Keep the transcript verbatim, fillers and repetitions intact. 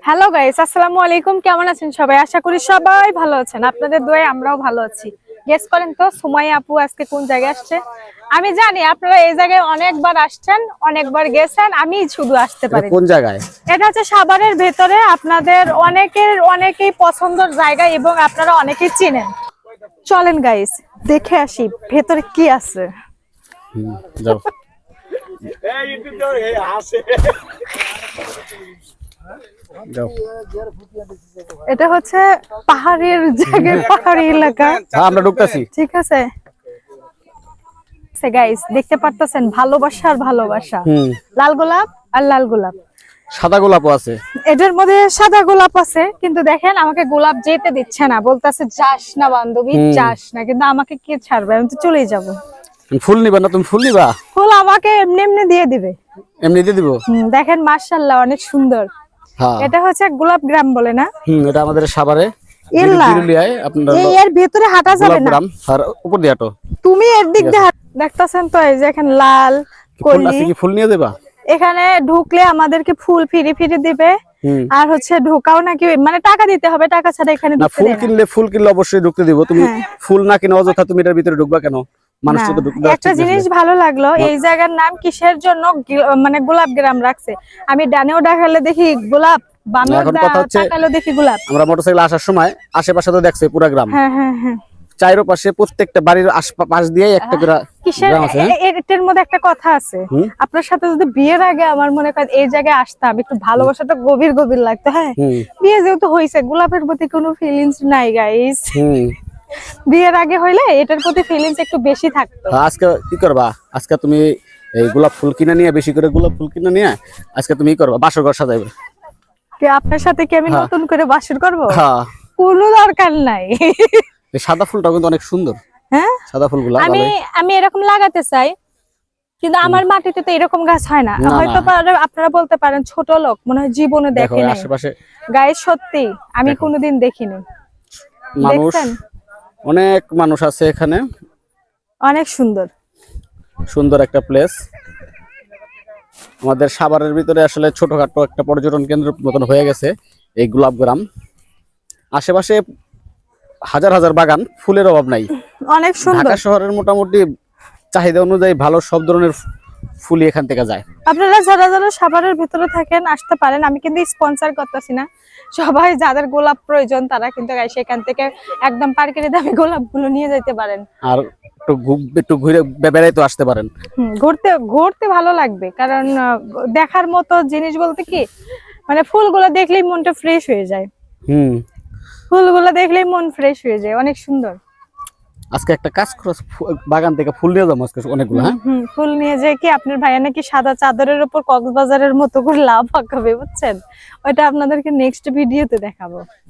Hello guys, আসসালামু আলাইকুম। কেমন আছেন সবাই? আশা করি সবাই ভালো আছেন। আপনাদের দোয়ায় আমরাও ভালো আছি। গেস করেন তো সুমাইয়া আপু আজকে কোন জায়গায় আসছে? আমি জানি আপনারা এই জায়গায় অনেকবার আসছেন, অনেকবার গেছেন, আমি শুধু আসতে পারি। কোন জায়গায়? এটা হচ্ছে সাভারের ভেতরে, আপনাদের অনেকের অনেকেই পছন্দের জায়গা এবং আপনারা অনেকেই চিনেন। চলেন গাইস, দেখে আসি ভেতরে কি আছে। হুম, যাও। যাও। এটা হচ্ছে পাহাড়ের জায়গায়, পাহাড়ি এলাকা। হ্যাঁ, আমরা ঢুকতেছি। ঠিক আছে গাইস, দেখতে পারতেছেন ভালোবাসার ভালোবাসা। হুম, লাল গোলাপ আর লাল গোলাপ। সাদা গোলাপও আছে। এটার মধ্যে সাদা গোলাপ আছে, কিন্তু দেখেন আমাকে গোলাপ যেতে দিচ্ছে না, বলতেছে যাস না বান্ধবী, হুম। যাস না। কিন্তু আমাকে কে ছাড়বে? আমি তো চলেই যাব। ফুল নিবা না? তুমি ফুল নিবা? ফুল আমাকে এমনি এমনি দিয়ে দিবে। এমনি দিয়ে দিব? হুম, দেখেন মাশাআল্লাহ অনেক সুন্দর। হ্যাঁ, এটা হচ্ছে গোলাপ গ্রাম বলে না? হুম, এটা আমাদের সাভারে ইল্লা, বিরুলিয়ায় আপনার এই এর ভিতরে হাঁটা যাবে না। গোলাপগ্রাম আর উপর দিয়ে হাঁটো। তুমি এর দিক দিয়ে হাঁট- দেখতাছেন তো এই যে এখানে লাল ফুল কলি। আছে কি? ফুল নিয়ে দেবা? এখানে ঢুকলে আমাদেরকে ফুল ফিরি ফিরি দিবে। হুম। আর হচ্ছে ঢোকাও নাকি মানে টাকা দিতে হবে, টাকা ছাড়া এখানে না, ঢুকতে ফুল দেয় না। কিনলে ফুল কিনলে অবশ্যই ঢুকতে দিব। তুমি হ্যাঁ। ফুল না কিনে অযথা তুমি এটার ভিতরে ঢুকবা কেন? মানুষ না, তো ঢুকতে দেওয়া একটা ঠিক না জিনিস আসলে। ভালো লাগলো, এই জায়গার নাম কিসের জন্য গি- মানে গোলাপ গ্রাম রাখছে। আমি ডানেও দেখালে দেখি গোলাপ, বামেও এখন কথা হচ্ছে, তাকালেও দেখি গোলাপ। আমরা মোটরসাইকেল আসার সময় আশেপাশে তো দেখছে পুরা গ্রাম, হ্যাঁ হ্যাঁ হ্যাঁ। চাইরো পাশে প্রত্যেকটা বাড়ির আশপাশ দিয়ে একটা করে কিসের গ্রাম আছে। এ- এ- এটার মধ্যে একটা কথা আছে। হুম। আপনার সাথে যদি বিয়ের আগে আমার মনে করেন এই জায়গায় আসতাম, একটু ভালোবাসাটা গভীর গভীর লাগতো। হ্যাঁ, হুম, বিয়ে যেহেতু হয়েছে, গোলাপের প্রতি কোনো ফিলিংস নাই গাইস। হুম। বিয়ের আগে হইলে এটার প্রতি ফিলিংস একটু বেশি থাকতো। আজকে কি করবা? আজকে তুমি এই গোলাপ ফুল কিনে নিয়ে, বেশি করে গোলাপ ফুল কিনে নিয়ে আজকে তুমি কি করবা? বাসর ঘর সাজাইবে। কি আপনার সাথে কি আমি হ্যাঁ। নতুন করে বাসর করব? হ্যাঁ, কোনো দরকার নাই। এই সাদা ফুলটা কিন্তু অনেক সুন্দর। হ্যাঁ, সাদা ফুলগুলা আমি ভালোই। আমি এরকম লাগাতে চাই, কিন্তু আমার মাটিতে তো এরকম গাছ হয় না। না, হয়তো না। পারে- আপনারা বলতে পারেন ছোট লোক, মনে হয় জীবনে দেখো দেখে এই নাই। আশেপাশে গায়ে সত্যি আমি দেখো। কোনোদিন দেখিনি। মানুষ, দেখছেন? অনেক মানুষ আছে এখানে। অনেক সুন্দর। সুন্দর একটা প্লেস। আমাদের সাভারের ভিতরে আসলে ছোটখাটো একটা পর্যটন কেন্দ্র মতন হয়ে গেছে এই গোলাপগ্রাম। আশেপাশে হাজার হাজার বাগান, ফুলের অভাব নাই। অনেক সুন্দর। ঢাকা শহরের মোটামুটি চাহিদা অনুযায়ী ভালো সব ধরনের ফুলই এখান থেকে যায়। আপনারা যারা যারা সাভারের ভিতরে থাকেন আসতে পারেন, আমি কিন্তু স্পন্সর করতেছি না। সবাই যাদের গোলাপ প্রয়োজন তারা কিন্তু সেখান থেকে একদম পাইকারি দামে গোলাপগুলো নিয়ে যেতে পারেন। আর একটু ঘু- একটু ঘুরে বেড়াই তো আসতে পারেন। হুম, ঘুরতে ঘুরতে ভালো লাগবে, কারণ আহ, দেখার মতো জিনিস বলতে কি, মানে ফুলগুলো দেখলেই মনটা ফ্রেশ হয়ে যায়। হুম। ফুলগুলো দেখলেই মন ফ্রেশ হয়ে যায়, অনেক সুন্দর। আজকে একটা কাজ করো, ফু- বাগান থেকে ফুল নিয়ে যাবো আজকে অনেকগুলো। হ্যাঁ, হুম, ফুল নিয়ে যায় কি আপনার ভাইয়া নাকি সাদা চাদরের উপর কক্সবাজারের মতো করে লাভ আঁকাবে, বুঝছেন? ওইটা আপনাদেরকে নেক্সট ভিডিওতে দেখাবো।